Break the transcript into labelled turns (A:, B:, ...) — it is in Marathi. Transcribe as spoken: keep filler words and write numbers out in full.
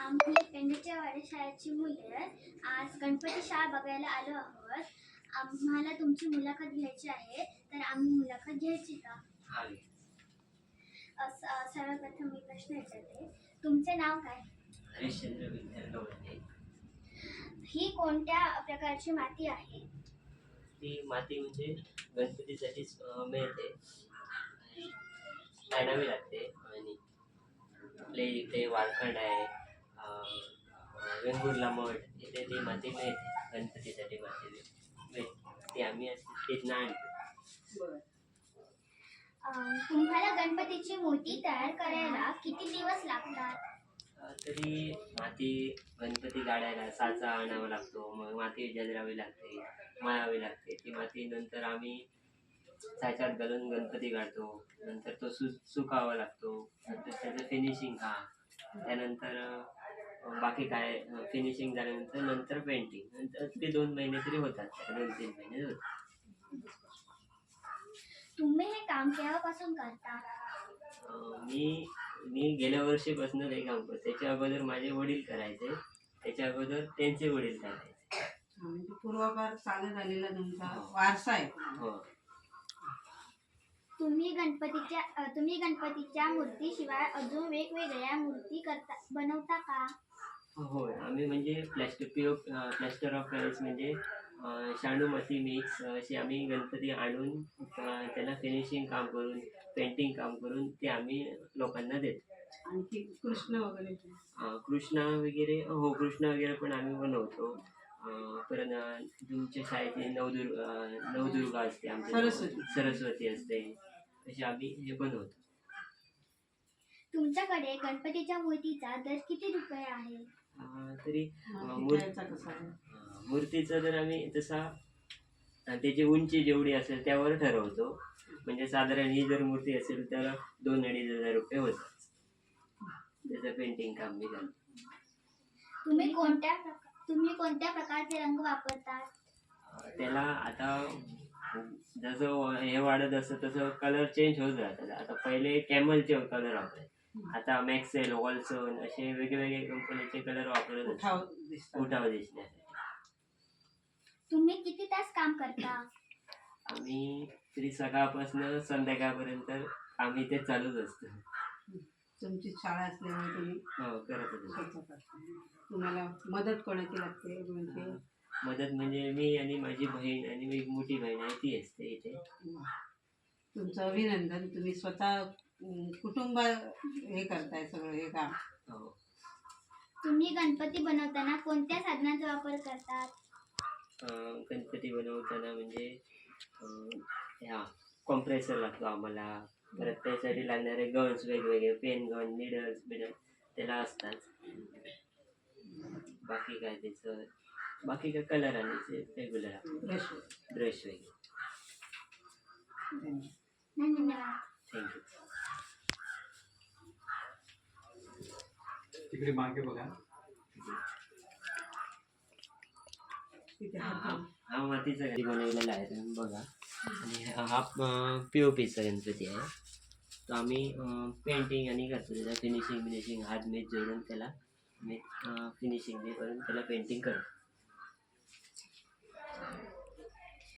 A: आम्ही पेंडीच्या वाड्याशाळेची मुले आज गणपती शाळा बघायला आलो आहोत. आम्हाला तुमची मुलाखत घ्यायची आहे, तर आम्ही मुलाखत घ्यायची का?
B: हा घे.
A: अस- अ, सर्वप्रथम मी प्रश्न विचारते, तुमचे नाव काय?
B: हरिश्चंद्र विठ्ठल गवळणे.
A: ही कोणत्या प्रकारची माती आहे?
B: ती माती म्हणजे गणपतीसाठीच अं, मिळते, आणावी लागते. आणि आपले इथे वारखंड आहे, अं, वेंगुर्ला मठ, इथे ती माती मिळते. गणपतीसाठी माती मिळते, ती आम्ही तिथनं आणतो.
A: अ, तुम्हाला गणपतीची मूर्ती तयार करायला किती दिवस लागतात?
B: अं, तरी माती गणपती काढायला साचा आणावा लागतो, मग माती जलरावी लागते, मळावी लागते. ती माती नंतर आम्ही साच्यात घालून गणपती काढतो. नंतर तो सु सुकावा लागतो. नंतर त्याचं फिनिशिंग हा, त्यानंतर अं, बाकी काय फिनिशिंग झाल्यानंतर नंतर पेंटिंग, नंतर ते दोन महिने तरी होतात, दोन तीन महिने होतात.
A: तुम्ही हे काम केव्हापासून करता?
B: अं, मी मी गेल्या वर्षीपासून हे काम करतो. त्याच्या अगोदर माझे वडील करायचे, त्याच्या अगोदर त्यांचे वडील करायचे.
C: म्हणजे पूर्वापार चालत आलेला तुमचा वारसा आहे.
B: हो.
A: तुम्ही गणपतीच्या अ, तुम्ही गणपतीच्या मूर्तीशिवाय अजून वेगवेगळ्या मूर्ती करता बनवता का?
B: होय, आम्ही म्हणजे plaster P O plaster of Paris म्हणजे अं, शाडू माती मिक्स अशी आम्ही गणपती आणून अं, त्याला फिनिशिंग काम करून, पेंटिंग काम करून ते आम्ही लोकांना देतो.
C: आणखी कृष्ण वगैरे
B: अं, कृष्णा वगैरे, हो कृष्ण वगैरे पण आम्ही बनवतो. अं, परत अं, तुमच्या शाळेची नवदुर्ग अं, नवदुर्गा असते, आमच्या
C: सरस्वती.
B: सरस्वती असते, अशी आम्ही हे बनवतो.
A: तुमच्याकडे गणपतीच्या मूर्तीचा दर किती रुपये आहे?
B: अं, तरी अं,
C: माती
B: मूर्
C: तयारचा कसा आहे?
B: अं, मूर्तीचा जर आम्ही तसा अं, त्याची उंची जेवढी असेल त्यावर ठरवतो. म्हणजे साधारण ही जर मूर्ती असेल तर दोन अडीच हजार रुपये होतात. त्याचं पेंटिंग काम मी करतो.
A: तुम्ही कोणत्या प्रका- तुम्ही कोणत्या प्रकारचे रंग वापरतात?
B: अं, त्याला आता जसं हे वाढत असतं तसं कलर चेंज होत राहतात. आता पहिले कॅमलचे कलर वापरायचे, आता मॅक्सेल, वॉल्सन असे वेगवेगळे कंपनीचे कलर वापरत
C: उठाव
B: असतात
C: दिसतात.
B: उठाव दिसण्यासाठी.
A: तुम्ही किती तास काम करता?
B: आम्ही तरी सकाळपासून संध्याकाळपर्यंत आम्ही ते चालूच असतं.
C: तुमची शाळा असल्यामुळे तुम्ही
B: हो, करत असतो.
C: स्वतः करता. तुम्हाला मदत कोणाची लागते? म्हणजे
B: मदत म्हणजे मी आणि माझी बहीण आणि एक मोठी बहीण आहे, ती असते इथे.
C: तुमचं अभिनंदन. तुम्ही स्वतः अं, कुटुंब हे करताय सगळं हे काम.
B: हो.
A: तुम्ही गणपती बनवताना कोणत्या साधनांचा वापर करतात?
B: अं, गणपती बनवताना म्हणजे अं, ह्या कॉम्प्रेसर लागतो आम्हाला. परत त्यासाठी लागणारे गन्स वेगवेगळे, पेन गन, निडल्स बिडल्स त्याला असतात. बाकी काय त्याचं बाकी काय कलर आणि रेग्युलर
C: ब्रश
B: ब्रश वगैरे.
A: धन्यवाद.
B: थँक्यू.
D: तिकडे मागे बघा.
C: तिथे
B: हा
C: हात
B: हा मातीचा गणपती बनवलेला आहे, तुम्ही बघा. आणि हा पी ओ पीचा गणपती आहे. तो आम्ही पेंटिंग आणि करतो, त्याला फिनिशिंग फिनिशिंग हात मीठ जोडून त्याला मी फिनिशिंग करून त्याला पेंटिंग करतो.